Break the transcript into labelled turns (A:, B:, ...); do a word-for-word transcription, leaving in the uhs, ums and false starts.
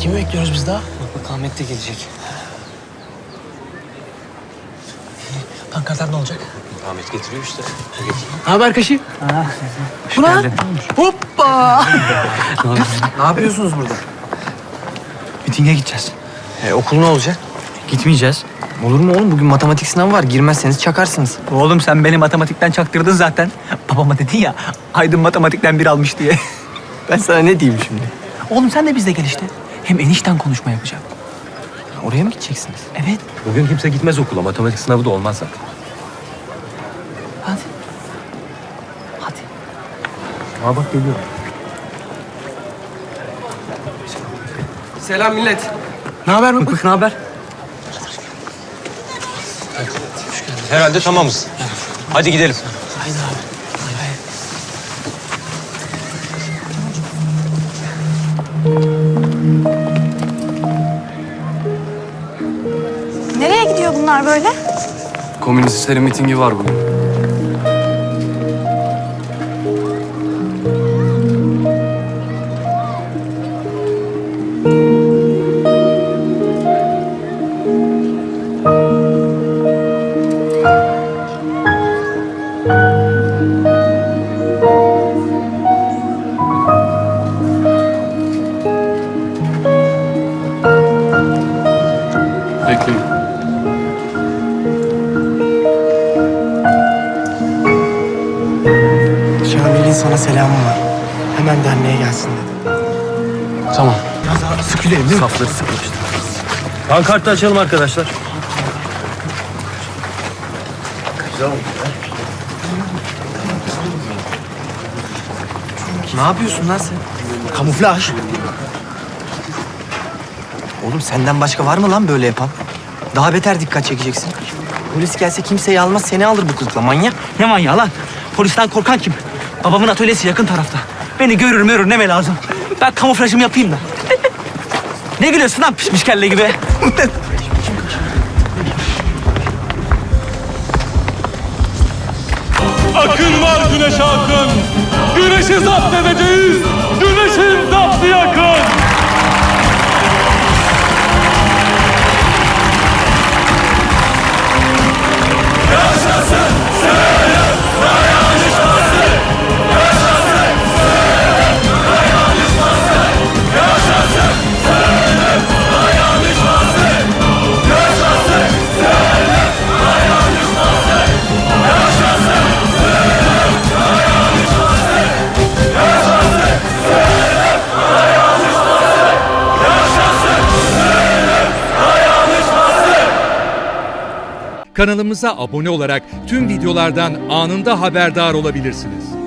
A: Kimi bekliyoruz biz daha?
B: Bak bak Ahmet de gelecek.
A: Pankartlar ne olacak?
B: Ahmet getiriyor işte.
A: Ne haber Kaşı?
B: Hoş
A: Bu ne?
B: geldin.
A: Hoppa!
B: Ne yapıyorsunuz burada?
C: Mitinge gideceğiz.
B: E, okul ne olacak?
C: Gitmeyeceğiz.
B: Olur mu oğlum? Bugün matematik sınavı var. Girmezseniz çakarsınız.
C: Oğlum sen beni matematikten çaktırdın zaten. Babama dedin ya, Aydın matematikten bir almış diye.
B: Ben sana ne diyeyim şimdi?
C: Oğlum sen de bizle gel işte. Hem enişten konuşma yapacak.
B: Oraya mı gideceksiniz?
C: Evet.
D: Bugün kimse gitmez okula. Matematik sınavı da olmaz zaten.
C: Hadi. Hadi.
D: Aa bak geliyor.
B: Selam millet.
A: Ne haber Mık
B: Mık
A: Mık?
B: ne haber?
D: Herhalde tamamız. Hadi gidelim.
A: Haydi abi.
E: Nereye gidiyor bunlar böyle?
D: Komünistlerin mitingi var bugün. Bekleyin.
A: Şamil'in sana selamı var. Hemen derneğe gelsin dedi.
D: Tamam.
A: Sıkılayım değil mi?
D: Safları sıkmıştı. Pankartı açalım arkadaşlar.
B: Ne yapıyorsun lan sen?
A: Kamuflaj.
B: Oğlum senden başka var mı lan böyle yapan? Daha beter dikkat çekeceksin. Polis gelse kimseyi almaz, seni alır bu kılıkla manyak.
C: Ne manyağı lan? Polisten korkan kim? Babamın atölyesi yakın tarafta. Beni görür mürür neme lazım. Ben kamuflajımı yapayım da. Ne gülüyorsun lan pişmiş kelle gibi?
F: Akın var güneş akın. Güneşi zapt edeceğiz. Güneşin zaptı yakın.
G: Kanalımıza abone olarak tüm videolardan anında haberdar olabilirsiniz.